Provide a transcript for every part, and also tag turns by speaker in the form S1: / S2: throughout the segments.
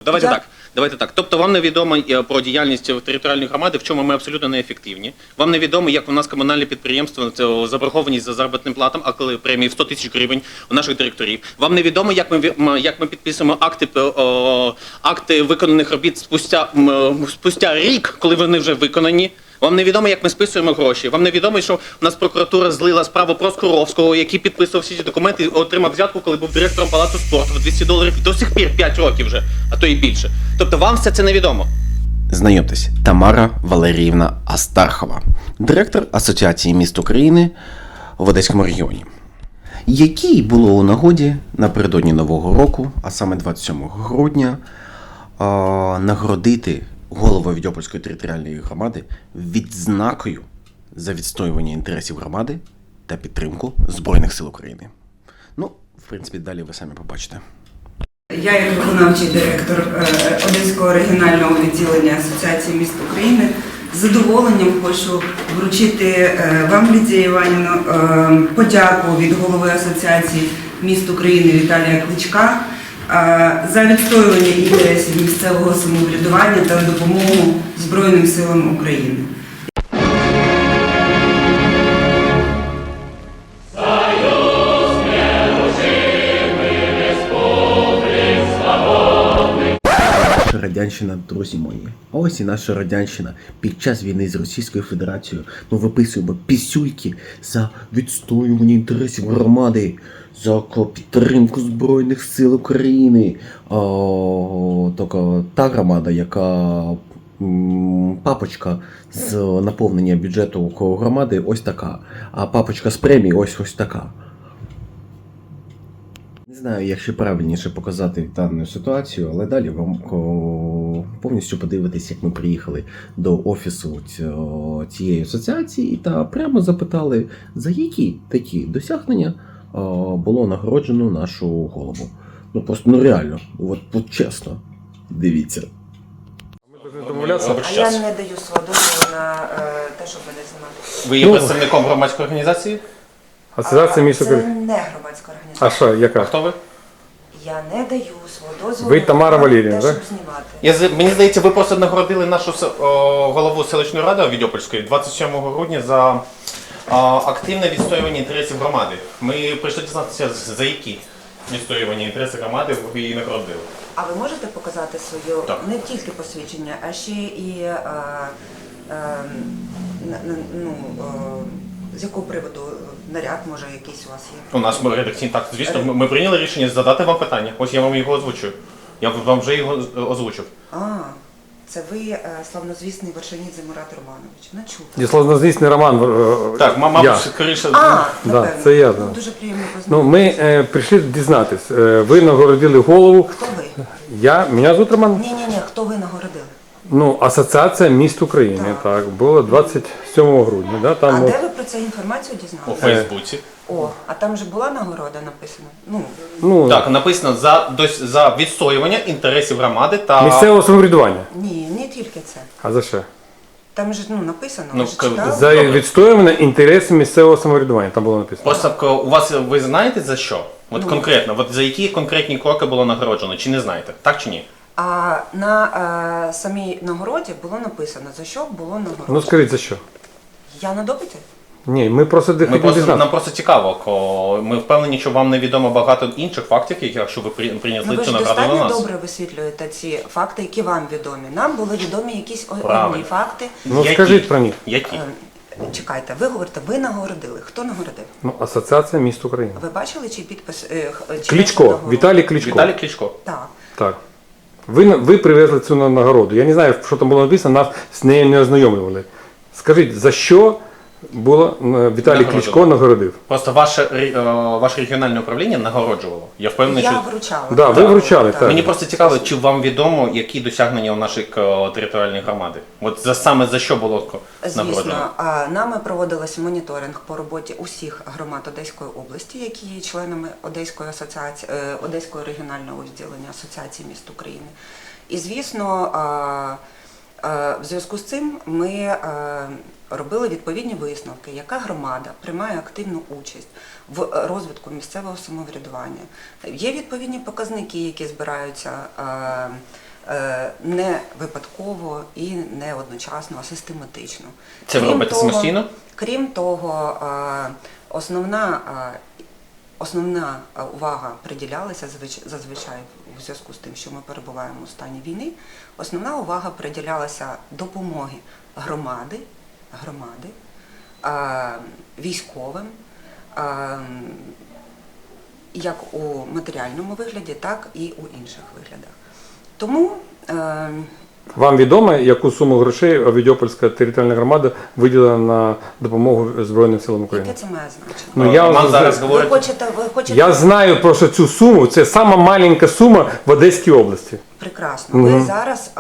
S1: Давайте так. Тобто вам невідомо про діяльність територіальної громади, в чому ми абсолютно неефективні. Вам невідомо, як у нас комунальне підприємство, це заборгованість за заробітним платом, а коли премії в 100 тисяч гривень у наших директорів. Вам невідомо, як ми підписуємо акти виконаних робіт спустя рік, коли вони вже виконані. Вам невідомо, як ми списуємо гроші. Вам невідомо, що у нас прокуратура злила справу про Скуровського, який підписував всі ці документи і отримав взятку, коли був директором Палацу спорту в $200 до сих пір 5 років вже, а то і більше. Тобто вам все це невідомо.
S2: Знайомтесь, Тамара Валеріївна Астархова, директор Асоціації міст України в Одеському регіоні, якій було у нагоді напередодні Нового року, а саме 27 грудня, нагородити голову Відьопольської територіальної громади відзнакою за відстоювання інтересів громади та підтримку Збройних сил України. Ну, в принципі, далі ви самі побачите.
S3: Я, як виконавчий директор Одеського регіонального відділення Асоціації міст України, з задоволенням хочу вручити вам, Лідія Іванівна, подяку від голови Асоціації міст України Віталія Кличка за відстоювання інтересів місцевого самоврядування та допомогу Збройним силам України.
S2: Радянщина, друзі мої. А ось і наша радянщина під час війни з Російською Федерацією. Ми виписуємо пісюльки за відстоювання інтересів громади, за підтримку Збройних сил України. Тільки та громада, яка папочка з наповнення бюджету громади ось така, а папочка з премії ось така. Не знаю, як ще правильніше показати дану ситуацію, але далі вам повністю подивитись, як ми приїхали до офісу цієї асоціації та прямо запитали, за які такі досягнення було нагороджено нашу голову. Ну просто, реально, от чесно, дивіться.
S3: А я не даю свого дозволу на те, щоб мене знімати.
S1: Ви є представником громадської організації?
S4: Асоціація міст України.
S3: Це не громадська організація.
S4: А що, яка?
S1: Хто ви?
S3: Я не даю свого дозволу
S4: Ви Тамара
S3: на
S4: Валеріївна,
S3: те,
S4: так?
S3: щоб знімати.
S1: Мені здається, ви просто нагородили нашу голову селищної ради Відьопольської 27 грудня за активне відстоювання інтересів громади. Ми прийшли дізнатися, за які відстоювання інтересів громади ви її нагородили.
S3: А ви можете показати своє
S1: Так.
S3: не тільки посвідчення, а ще і з якого приводу наряд, може, якийсь у вас є?
S1: У нас редакційний, так, звісно, ми прийняли рішення задати вам питання. Ось я вам його озвучую. Я вам вже його озвучив.
S3: Це ви славнозвісний Вершинідзе Мурат Романович. Не чув.
S4: Є славнозвісний Роман.
S1: Так, мабуть, скоріше.
S3: Напевно.
S4: Це я.
S3: Ну, дуже приємно
S4: Ну,
S3: познайомитися.
S4: ми прийшли дізнатись. Ви нагородили голову.
S3: Хто ви?
S4: Мене звуть Роман.
S3: Ні, хто ви нагородили?
S4: Ну, Асоціація міст України, так, було 27 грудня. Да, там,
S3: А де ви про цю інформацію
S1: У
S3: дізналися?
S1: Фейсбуці.
S3: А там же була нагорода написана?
S4: ну,
S1: Так, написано за відстоювання інтересів громади та...
S4: місцевого самоврядування.
S3: Ні, не тільки це.
S4: А за що?
S3: Там же написано,
S1: Ну,
S3: ви ж читали?
S4: За відстоювання інтересів місцевого самоврядування, там було написано.
S1: Просто у вас, ви знаєте за що? От конкретно, за які конкретні кроки було нагороджено, чи не знаєте? Так чи ні?
S3: А на самій нагороді було написано, за що було нагороджено.
S4: Ну, скажіть, за що?
S3: Я на допиті?
S4: Ні, ми просто хотіли дізнатися.
S1: Нам просто цікаво, ми впевнені, що вам невідомо багато інших фактів, якщо ви принесли
S3: Ви
S1: цю
S3: ж
S1: награду на
S3: достатньо
S1: нас.
S3: добре висвітлюєте ці факти, які вам відомі. Нам були відомі якісь
S1: Правильно.
S3: одні факти.
S4: Ну, скажіть про них.
S1: Які?
S3: Чекайте, ви говорите, ви нагородили. Хто нагородив?
S4: Ну, Асоціація міст України.
S3: Ви бачили, чий підпис?
S4: Кличко, Віталій Кличко.
S1: Віталій Кличко.
S3: Так.
S4: Так. Ви привезли цю нагороду. Я не знаю, що там було написано, нас з нею не ознайомлювали. Скажіть, за що було Віталій Кличко нагородив?
S1: Просто ваше регіональне управління нагороджувало. Я впевнений,
S3: Я
S1: що...
S3: вручала.
S4: Да, ви вручали, так.
S1: Мені просто цікаво, чи вам відомо, які досягнення у нашої територіальної громади? От саме за що було нагороджено?
S3: Звісно, нами проводилося моніторинг по роботі усіх громад Одеської області, які є членами Одеської асоціації, Одеського регіонального відділення Асоціації міст України. І, звісно, в зв'язку з цим ми робили відповідні висновки, яка громада приймає активну участь в розвитку місцевого самоврядування. Є відповідні показники, які збираються не випадково і не одночасно, а систематично.
S1: Це ви робите самостійно?
S3: Крім того, основна увага приділялася зазвичай у зв'язку з тим, що ми перебуваємо у стані війни, основна увага приділялася допомоги громади, військовим, як у матеріальному вигляді, так і у інших виглядах. Тому
S4: Вам відомо, яку суму грошей Авдіопольська територіальна громада виділила на допомогу Збройним силам України?
S3: яке це має значення?
S4: Ну, я,
S1: Вам зараз
S3: Ви
S1: говорять.
S3: хочете...
S4: я знаю просто цю суму, це сама маленька сума в Одеській області.
S3: Прекрасно. Ви зараз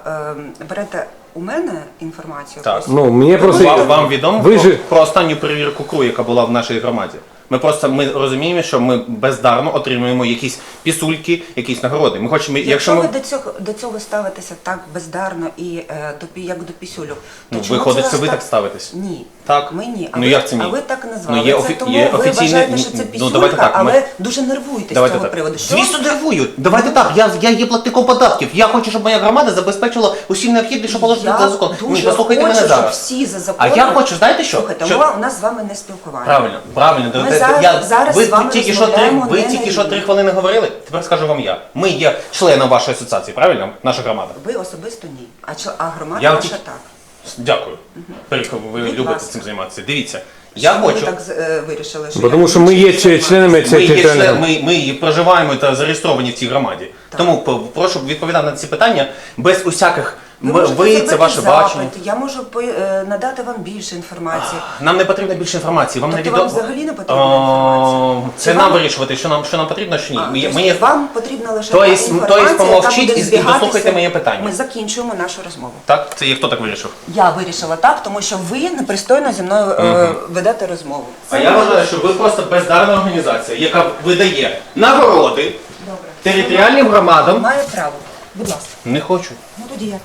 S3: берете у мене інформацію.
S1: Так.
S4: Ну, мені просто...
S1: Вам відомо
S4: Ви ж-
S1: про останню перевірку КРУ, яка була в нашій громаді? Ми розуміємо, що ми бездарно отримуємо якісь пісульки, якісь нагороди. Ми хочемо,
S3: Якщо ви до цього ставитеся так бездарно і як до пісюльок, то чому
S1: виходить,
S3: це
S1: це ви
S3: вас
S1: так ставитесь?
S3: Ні.
S1: Так.
S3: Ми ні.
S1: Ну, як це ні?
S3: А ви так назвали.
S1: Ну, є
S3: це тому
S1: є
S3: ви
S1: офіційне-
S3: вважаєте, що це
S1: ну,
S3: пісюлька,
S1: давайте так,
S3: але
S1: ми-
S3: дуже нервуєтесь з
S1: Давайте
S3: цього
S1: так.
S3: приводу. Що?
S1: Звісно, нервую. Давайте так. Я є платником податків. Я хочу, щоб моя громада забезпечила усім необхідне, що положено за закон.
S3: Я
S1: Ні,
S3: дуже
S1: послухайте
S3: хочу,
S1: мене
S3: щоб
S1: зараз.
S3: всі за
S1: А
S3: законом...
S1: я хочу, знаєте що?
S3: Слухайте,
S1: Що-
S3: у нас з вами не спілкування.
S1: Правильно.
S3: Ми зараз
S1: Ви
S3: з вами
S1: тільки
S3: розмовляємо
S1: ви
S3: не
S1: тільки
S3: на
S1: що 3
S3: рівні.
S1: хвилини говорили. Тепер скажу вам я. Ми є членом вашої асоціації, правильно? Наша громада.
S3: Ви особисто ні. А громада
S1: Я
S3: ваша
S1: тільки-
S3: так.
S1: Дякую. Періко, ви
S3: Будь
S1: любите
S3: ласка.
S1: цим займатися. Дивіться, я
S3: Чому ви
S1: хочу.
S3: так вирішили, що
S4: Бо
S3: я
S4: тому що ми є членами цієї територіальної громади.
S1: Ми проживаємо та зареєстровані в цій громаді. Тому прошу відповідати на ці питання без усяких.
S3: можете
S1: Ви це
S3: зробити
S1: ваше
S3: запит,
S1: бачення.
S3: Я можу надати вам більше інформації.
S1: Нам не потрібно більше інформації. Вам не
S3: Тобто
S1: відомо.
S3: вам взагалі не потрібна інформація?
S1: Це
S3: Чи
S1: нам
S3: вам-
S1: вирішувати, що нам потрібно, що ні.
S3: Тобто
S1: Ми є-
S3: вам потрібна лише
S1: То
S3: та
S1: есть
S3: інформація,
S1: помовчіть
S3: яка буде
S1: і
S3: збігатися.
S1: дослухайте моє питання.
S3: Ми закінчуємо нашу розмову.
S1: Так, це є хто так вирішив?
S3: Я вирішила так, тому що ви непристойно зі мною ведете розмову.
S1: А я вважаю, що ви просто бездарна організація, яка видає нагороди
S3: Добре.
S1: територіальним громадам.
S3: Маю право. Будь ласка.
S1: Не хочу.
S3: Ну тоді я тут.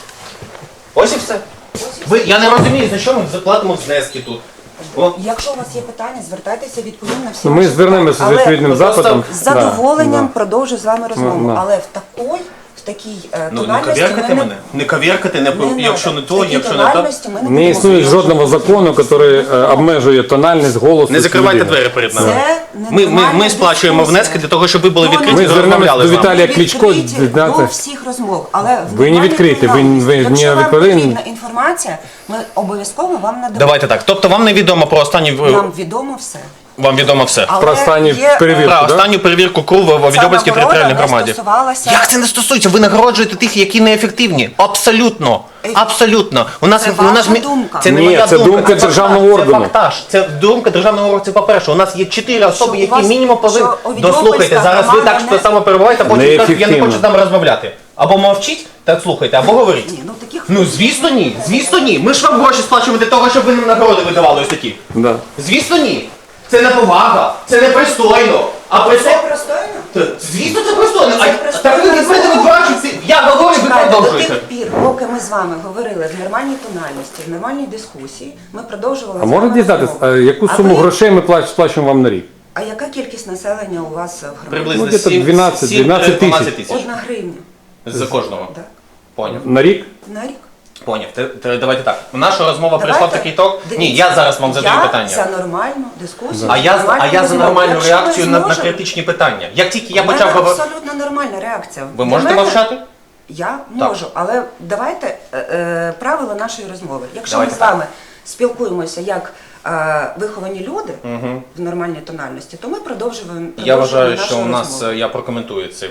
S1: Ось і все. Я не розумію, за що ми заплатимо внески тут. О,
S3: Якщо у вас є питання, звертайтеся, відповім на всі.
S4: Ну, ми
S3: ваші
S4: звернемося з
S3: питання.
S4: відповідним
S1: ви просто
S4: запитом.
S3: З задоволенням
S4: Да.
S3: продовжу з вами розмову,
S4: Да.
S3: але в такій
S1: ну не
S3: тональності
S1: ковіркати
S3: ми
S1: мене. Не ковіркати, якщо не
S3: в
S1: то,
S3: такій
S1: якщо не то.
S3: тональності ми
S4: Не
S3: будемо
S4: існує
S3: говорити.
S4: жодного закону, який обмежує тональність голосу.
S1: Не закривайте
S4: людини.
S1: двері перед нами.
S3: Це
S1: Ми
S3: ненормальна
S1: сплачуємо
S3: дискусія.
S1: внески для того, щоб ви були
S3: Ну,
S1: відкриті
S4: Ми
S1: і
S4: звернемось
S1: розмовляли
S4: до
S1: з нами.
S4: Віталія
S3: Ви
S4: Кличко,
S3: відкриті
S4: знаєте.
S3: до всіх розмов, але в
S4: Ви не
S3: нормальній
S4: відкриті, ви
S3: тональності.
S4: не
S3: Якщо вам
S4: відповіли.
S3: потрібна інформація, ми обов'язково вам надамо.
S1: Давайте так. Тобто вам не відомо про останні
S3: Нам відомо все.
S1: вам відомо все.
S3: Але
S4: Про останню
S3: є,
S4: перевірку.
S1: Про
S4: да?
S1: останню перевірку КРУ в Авдіопольській
S3: нагорода
S1: територіальній
S3: не
S1: громаді.
S3: стосувалася-
S1: Як це не стосується? Ви нагороджуєте тих, які неефективні. Абсолютно. Абсолютно. У нас
S3: Це
S1: у нас
S3: ваша думка.
S1: Це не
S4: Ні,
S1: моя
S4: це думка
S1: фактаж.
S4: державного органу.
S1: Це фактаж. Це думка державного органу. Це по-перше. У нас є 4 особи,
S3: у
S1: які
S3: вас-
S1: мінімум повинні.
S3: що Авдіопольська
S1: Дослухайте, зараз ви
S3: громада
S1: так
S3: не-
S1: само перебуваєте, а потім кажете, я не
S4: Неефективно.
S1: хочу з нами розмовляти. Або мовчіть, так слухайте, або говоріть.
S3: Ні, ну таких
S1: Ну, звісно, ні. Звісно, ні. Ми ж вам гроші сплачуємо для того, щоб ви нам нагороди видавали ось такі.
S4: Да.
S1: Звісно, ні. Це не повага, це не пристойно. А
S3: це
S1: пристойно.
S3: пристойно.
S1: Звісно, це пристойно.
S3: Це
S1: А
S3: пристойно.
S1: так ви від мене відбачите. Я говорю, ви
S3: Чекайте, до
S1: продовжуєте.
S3: тих пір, поки ми з вами говорили в нормальній тональності, в нормальній дискусії, ми продовжували
S4: А
S3: з
S4: можна
S3: вами
S4: дізнатися,
S3: розмову.
S4: яку
S3: А
S4: суму
S3: ви-
S4: грошей ми сплачуємо вам на рік?
S3: А яка кількість населення у вас в громаді?
S1: Приблизно
S4: Ну, где-то 12 тисяч.
S3: 1 гривня.
S1: За кожного.
S3: Так.
S1: Поняв.
S4: На рік?
S3: На рік.
S1: Поняв. Давайте так. Наша розмова прийшла в
S3: Давайте.
S1: такий ток. Ні,
S3: Дивіться,
S1: я зараз вам задаю
S3: Я
S1: питання.
S3: за нормальну дискусію.
S1: А я
S3: нормальну
S1: за
S3: розмову.
S1: нормальну
S3: Якщо ви
S1: реакцію на
S3: зможете-
S1: критичні питання. Як тільки я
S3: У мене
S1: почав говорити.
S3: абсолютно нормальна реакція.
S1: Ви
S3: Для
S1: можете
S3: мене-
S1: мовчати?
S3: Я
S1: Так.
S3: можу, але давайте правила нашої розмови. Якщо
S1: Давайте
S3: ми з вами спілкуємося як виховані люди в нормальній тональності, то ми продовжуємо.
S1: Я вважаю,
S3: нашу
S1: що у нас,
S3: розмову.
S1: я прокоментую це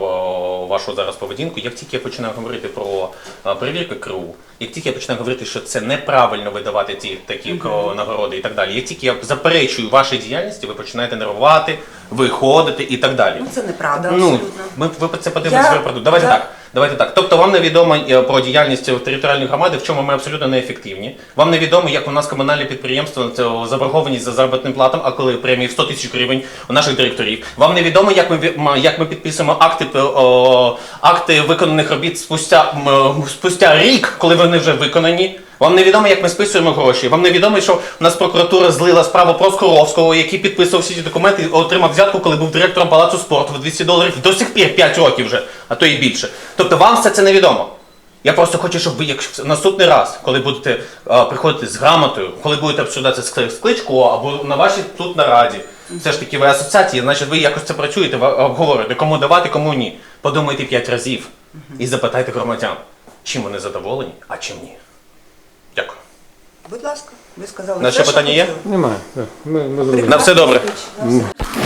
S1: вашу зараз поведінку. Як тільки я починаю говорити про перевірки КРУ, як тільки я починаю говорити, що це неправильно видавати такі нагороди і так далі, як тільки я заперечую вашій діяльності, ви починаєте нервувати, виходити і так далі.
S3: Ну це неправда,
S1: Ну,
S3: абсолютно.
S1: ви це подивитесь в продукт. Давайте так. Давайте так. Тобто вам не відомо про діяльність територіальної громади, в чому ми абсолютно неефективні. Вам не відомо, як у нас комунальне підприємство, це заборгованість за заробітним платом, а коли премії в 100 тисяч гривень у наших директорів. Вам не відомо, як ми підписуємо акти виконаних робіт спустя рік, коли вони вже виконані. Вам невідомо, як ми списуємо гроші. Вам невідомо, що у нас прокуратура злила справу про Скоровського, який підписував всі ці документи і отримав взятку, коли був директором Палацу спорту в $200. До сих пір 5 років вже, а то і більше. Тобто вам все це невідомо. Я просто хочу, щоб ви, як наступний раз, коли будете приходити з грамотою, коли будете обсуждати з Кличко або на вашій тут нараді, все ж таки ви асоціації, значить ви якось це працюєте, ви обговорюєте, кому давати, кому ні. Подумайте 5 разів і запитайте громадян, чим вони задоволені, а чим ні. Дякую.
S3: Будь ласка, ви сказали.
S1: На ще
S3: все, що
S1: питання є?
S3: хотіли.
S4: Немає. Так, ми зробили.
S1: На все добре.
S3: На все.